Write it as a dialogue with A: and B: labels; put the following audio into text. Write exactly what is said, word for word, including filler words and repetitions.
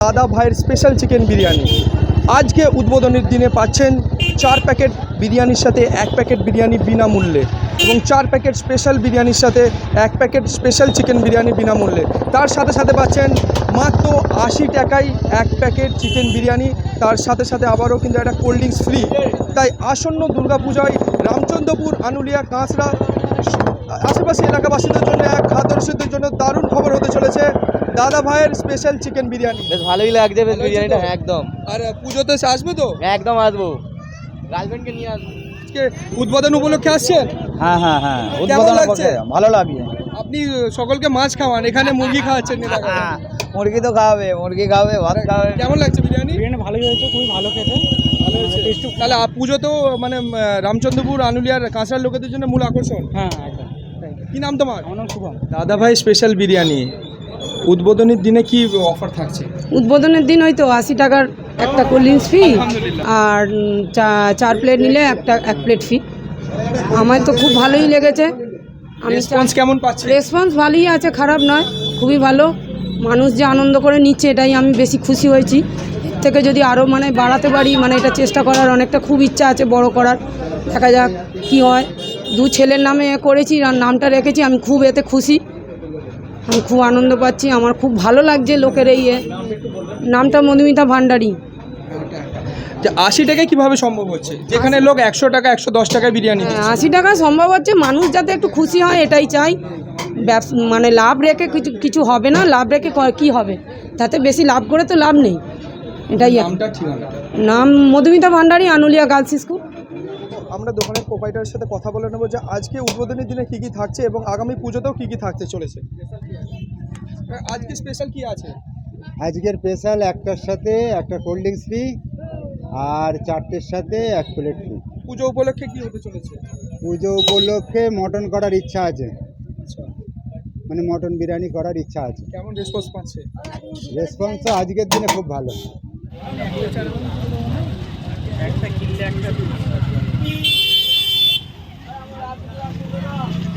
A: দাদা ভাইয়ের special chicken biryani আজকে উদ্বোধনের দিনে পাচ্ছেন চার প্যাকেট বিরিয়ানির সাথে এক প্যাকেট বিরিয়ানি বিনামূল্যে এবং চার প্যাকেট স্পেশাল বিরিয়ানির সাথে এক প্যাকেট স্পেশাল চিকেন বিরিয়ানি বিনামূল্যে। তার সাথে সাথে পাচ্ছেন মাত্র আশি টাকায় এক প্যাকেট চিকেন বিরিয়ানি, তার সাথে সাথে আবারও কিন্তু একটা কোল্ড ড্রিঙ্কস ফ্রি। তাই আসন্ন দুর্গাপূজায় রামচন্দ্রপুর, আনুলিয়া, কাঁচড়া আশেপাশে এলাকাবাসীদের জন্য এক খাদ্যরসিকদের জন্য দারুণ খবর হতে চলেছে দাদা ভাইয়ের স্পেশাল চিকেন বিরিয়ানি।
B: বেশ ভালোই লাগছে বেশ বিরিয়ানিটা, একদম।
A: আর পুজোতে আসবে তো?
B: একদম আসবো, গার্লফ্রেন্ডকে নিয়ে আসবো।
A: আজকে উদ্বোধন উপলক্ষে আসছেন?
C: হ্যাঁ হ্যাঁ হ্যাঁ,
A: কেমন লাগছে?
C: ভালো লাগছে।
A: আপনি সকলকে মাছ খাওয়ান, এখানে মুরগি খাওয়াচ্ছেন।
C: মুরগি তো খাওয়াবে, মুরগি খাওয়াবে, ভাত খাওয়াবে।
A: কেমন লাগছে বিরিয়ানি?
C: বিরিয়ানি ভালোই হয়েছে, খুবই ভালো খেতে।
A: ভালো হয়েছে। তাহলে পুজো তো মানে রামচন্দ্রপুর, আনুলিয়ার, কাঁচড়ার লোকেদের জন্য মূল আকর্ষণ।
C: হ্যাঁ একদম।
A: কি নাম তোমার?
C: আমার নাম শুভম।
A: দাদা ভাই স্পেশাল বিরিয়ানি উদ্বোধনের দিনে কি অফার থাকছে?
D: উদ্বোধনের দিন হয়তো আশি টাকার একটা কোল্ড ড্রিঙ্কস ফ্রি আর চা- চার প্লেট নিলে একটা এক প্লেট ফ্রি। আমার তো খুব ভালোই লেগেছে। আমি
A: রেসপন্স কেমন পাচ্ছি?
D: রেসপন্স ভালোই আছে, খারাপ নয়, খুবই ভালো। মানুষ যে আনন্দ করে নিচ্ছে এটাই আমি বেশি খুশি হয়েছি। এর থেকে যদি আরও মানে বাড়াতে পারি, মানে এটা চেষ্টা করার অনেকটা খুব ইচ্ছা আছে, বড় করার। দেখা যাক কি হয়। দু ছেলের নামে করেছি আর নামটা রেখেছি, আমি খুব এতে খুশি, আমি খুব আনন্দ পাচ্ছি। আমার খুব ভালো লাগছে লোকের এই এ। নামটা মধুমিতা ভান্ডারী।
A: যে আশি টাকায় কিভাবে সম্ভব হচ্ছে, যেখানে লোক একশো টাকা একশো দশ টাকায় বিরিয়ানি
D: হ্যাঁ,
A: দিচ্ছে?
D: আশি টাকা সম্ভব হচ্ছে, মানুষ যাতে একটু খুশি হয় এটাই চাই। ব্যবসা মানে লাভ রেখে কিছু কিছু হবে না, লাভ রেখে ক- কি হবে, তাতে বেশি লাভ করে তো লাভ নেই, এটাই আর কি।
A: নামটা ঠিকানা?
D: নাম মধুমিতা ভান্ডারী, আনুলিয়া গার্লস স্কুল।
A: আমরা দোকানের প্রোপাইটারের সাথে কথা বলে নেবো যে আজকে উদ্বোধনের দিনে কি কি থাকছে এবং আগামী পুজোতেও কি কি থাকতে চলেছে। আজকে স্পেশাল কি আছে?
E: আজকের স্পেশাল একটার সাথে একটা কোল্ড ড্রিঙ্কস ফ্রি আর চারটের সাথে এক প্লেট ফ্রি।
A: পুজো উপলক্ষে কি হতে চলেছে?
E: পুজো উপলক্ষে মটন করার ইচ্ছা আছে, মানে মটন বিরিয়ানি করার ইচ্ছা আছে।
A: কেমন রেসপন্স পাচ্ছে?
E: রেসপন্স তো আজকের দিনে খুব ভালো।
A: একটা কিনলে একটা